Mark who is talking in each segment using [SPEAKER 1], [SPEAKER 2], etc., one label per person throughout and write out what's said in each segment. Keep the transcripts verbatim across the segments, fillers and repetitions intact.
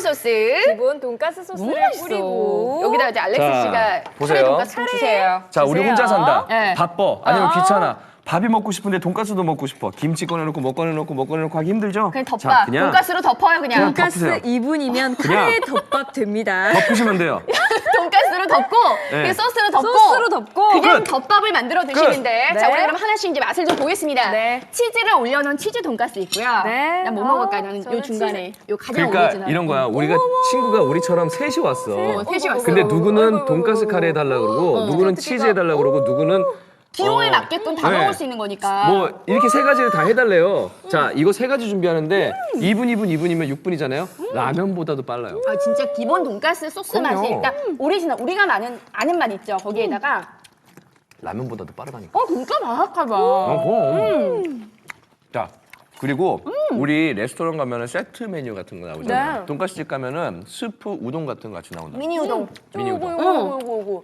[SPEAKER 1] 소스.
[SPEAKER 2] 기본 돈가스 소스를
[SPEAKER 1] 맛있어.
[SPEAKER 2] 뿌리고
[SPEAKER 1] 여기다 이제 알렉스
[SPEAKER 3] 자,
[SPEAKER 1] 씨가
[SPEAKER 3] 보세요.
[SPEAKER 1] 카레 돈가스 좀 주세요.
[SPEAKER 3] 자, 우리
[SPEAKER 2] 주세요.
[SPEAKER 3] 혼자 산다.
[SPEAKER 1] 네.
[SPEAKER 3] 바빠. 아니면
[SPEAKER 2] 어.
[SPEAKER 3] 귀찮아. 밥이 먹고 싶은데 돈가스도 먹고 싶어. 김치 꺼내놓고 뭐 꺼내놓고 뭐 꺼내놓고 하기 힘들죠?
[SPEAKER 1] 그냥 덮밥.
[SPEAKER 3] 자, 그냥
[SPEAKER 1] 돈가스로 덮어요 그냥.
[SPEAKER 3] 그냥
[SPEAKER 2] 돈가스
[SPEAKER 3] 덮으세요.
[SPEAKER 2] 이 분이면
[SPEAKER 3] 그냥.
[SPEAKER 2] 카레 덮밥 됩니다.
[SPEAKER 3] 덮으시면 돼요.
[SPEAKER 1] 돈가스로 덮고
[SPEAKER 3] 네.
[SPEAKER 1] 그 소스로 덮고
[SPEAKER 2] 소스로 덮고.
[SPEAKER 1] 그냥
[SPEAKER 3] 끝.
[SPEAKER 1] 덮밥을 만들어 드시면 돼.
[SPEAKER 2] 네.
[SPEAKER 1] 자, 우리 그럼 하나씩 이제 맛을 좀 보겠습니다.
[SPEAKER 2] 네.
[SPEAKER 1] 치즈를 올려놓은 치즈 돈가스 있고요.
[SPEAKER 2] 네.
[SPEAKER 1] 난 뭐
[SPEAKER 2] 어,
[SPEAKER 1] 먹을까요? 저는
[SPEAKER 2] 저는
[SPEAKER 1] 요 중간에 요 가장
[SPEAKER 3] 그러니까
[SPEAKER 1] 오리지널.
[SPEAKER 3] 이런 거야. 우리가 친구가 우리처럼 셋이 왔어.
[SPEAKER 1] 어, 셋이 왔어.
[SPEAKER 3] 근데 누구는
[SPEAKER 2] 어이구, 어이구,
[SPEAKER 3] 돈가스
[SPEAKER 2] 어이구.
[SPEAKER 3] 카레 해달라 그러고 누구는 치즈 해달라 그러고 누구는
[SPEAKER 1] 기호에
[SPEAKER 3] 어.
[SPEAKER 1] 맞게끔 다
[SPEAKER 3] 네.
[SPEAKER 1] 먹을 수 있는 거니까.
[SPEAKER 3] 뭐 이렇게 세 가지를 다 해달래요. 자, 이거 세 가지 준비하는데 이 분, 이 분, 이 분이면 육 분이잖아요. 라면보다도 빨라요.
[SPEAKER 1] 아, 진짜 기본 돈가스 소스
[SPEAKER 3] 그럼요.
[SPEAKER 1] 맛이 일단 오리지널 우리가 아는 아는 맛 있죠. 거기에다가
[SPEAKER 3] 라면보다도 빠르다니까.
[SPEAKER 1] 어 진짜 바삭하다.
[SPEAKER 3] 어, 그럼. 자, 그리고 우리 레스토랑 가면은 세트 메뉴 같은 거 나오잖아요.
[SPEAKER 2] 네.
[SPEAKER 3] 돈가스집 가면은 스프 우동 같은 거 같이 나온다.
[SPEAKER 1] 미니 우동.
[SPEAKER 3] 미니 우동.
[SPEAKER 2] 요거 요거 요거 요거.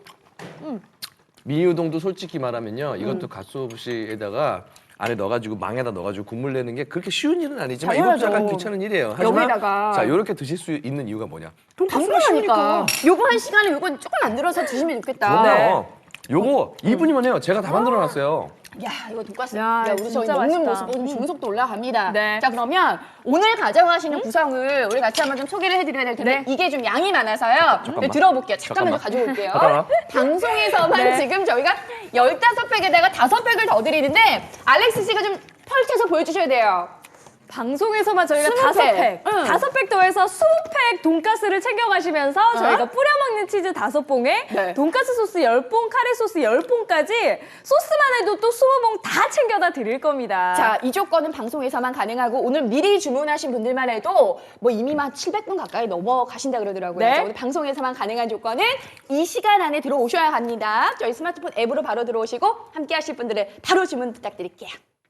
[SPEAKER 3] 미니 우동도 솔직히 말하면요. 이것도 갓소부시에다가 안에 넣어가지고 망에다 넣어가지고 국물 내는 게 그렇게 쉬운 일은 아니지만 이것도
[SPEAKER 1] 당연하죠.
[SPEAKER 3] 약간 귀찮은 일이에요. 하지만
[SPEAKER 1] 여기다가
[SPEAKER 3] 자, 이렇게 드실 수 있는 이유가 뭐냐? 돈가스가
[SPEAKER 1] 당연하니까.
[SPEAKER 3] 쉬우니까.
[SPEAKER 1] 요거 한 시간에 요거 조금 만들어서 드시면 좋겠다.
[SPEAKER 3] 그럼요. 요거 이 분이면 해요. 제가 다 만들어놨어요.
[SPEAKER 1] 야, 이거 돈가스.
[SPEAKER 2] 야,
[SPEAKER 1] 야, 우리 저희
[SPEAKER 2] 진짜
[SPEAKER 1] 먹는
[SPEAKER 2] 맛있다.
[SPEAKER 1] 모습 보면 중속도 올라갑니다.
[SPEAKER 2] 네.
[SPEAKER 1] 자, 그러면 오늘 가져가시는 구성을 우리 같이 한번 좀 소개를 해드려야 될 텐데
[SPEAKER 2] 네.
[SPEAKER 1] 이게 좀 양이 많아서요. 네, 들어볼게요. 잠깐만,
[SPEAKER 3] 잠깐만.
[SPEAKER 1] 좀 가져올게요.
[SPEAKER 3] 잠깐만.
[SPEAKER 1] 방송에서만
[SPEAKER 2] 네.
[SPEAKER 1] 지금 저희가 열다섯 팩에다가 다섯 팩을 더 드리는데 알렉스 씨가 좀 펼쳐서 보여주셔야 돼요.
[SPEAKER 2] 방송에서만 저희가
[SPEAKER 1] 스무
[SPEAKER 2] 다섯
[SPEAKER 1] 팩.
[SPEAKER 2] 팩,
[SPEAKER 1] 응.
[SPEAKER 2] 다섯 팩 더해서 스무 팩 돈가스를 챙겨가시면서 저희가 뿌려 먹는 치즈 다섯 봉에
[SPEAKER 1] 네.
[SPEAKER 2] 돈가스 소스 열 봉, 카레 소스 열 봉까지 소스만 해도 또 스무 봉 다 챙겨다 드릴 겁니다.
[SPEAKER 1] 자, 이 조건은 방송에서만 가능하고 오늘 미리 주문하신 분들만 해도 뭐 이미 막 칠백 분 가까이 넘어가신다 그러더라고요.
[SPEAKER 2] 네.
[SPEAKER 1] 자, 오늘 방송에서만 가능한 조건은 이 시간 안에 들어오셔야 합니다. 저희 스마트폰 앱으로 바로 들어오시고 함께 하실 분들은 바로 주문 부탁드릴게요.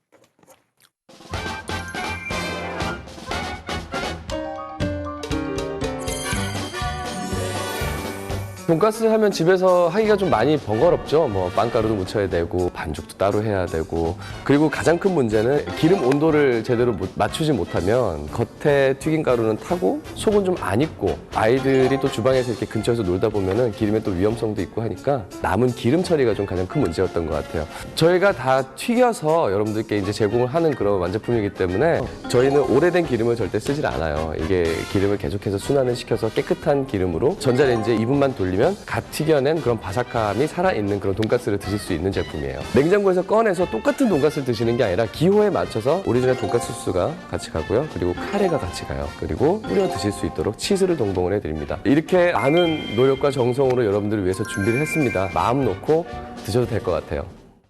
[SPEAKER 4] 돈가스 하면 집에서 하기가 좀 많이 번거롭죠. 뭐 빵가루도 묻혀야 되고 반죽도 따로 해야 되고 그리고 가장 큰 문제는 기름 온도를 제대로 못- 맞추지 못하면 겉에 튀긴 가루는 타고 속은 좀 안 익고 아이들이 또 주방에서 이렇게 근처에서 놀다 보면은 기름에 또 위험성도 있고 하니까 남은 기름 처리가 좀 가장 큰 문제였던 것 같아요. 저희가 다 튀겨서 여러분들께 이제 제공을 하는 그런 완제품이기 때문에 저희는 오래된 기름을 절대 쓰질 않아요. 이게 기름을 계속해서 순환을 시켜서 깨끗한 기름으로 전자레인지에 이 분만 돌리면 갓 튀겨낸 그런 바삭함이 살아있는 그런 돈가스를 드실 수 있는 제품이에요. 냉장고에서 꺼내서 똑같은 돈가스를 드시는 게 아니라 기호에 맞춰서 오리지널 돈가스 소스가 같이 가고요. 그리고 카레가 같이 가요. 그리고 뿌려 드실 수 있도록 치즈를 동봉을 해드립니다. 이렇게 많은 노력과 정성으로 여러분들을 위해서 준비를 했습니다. 마음 놓고 드셔도 될 것 같아요.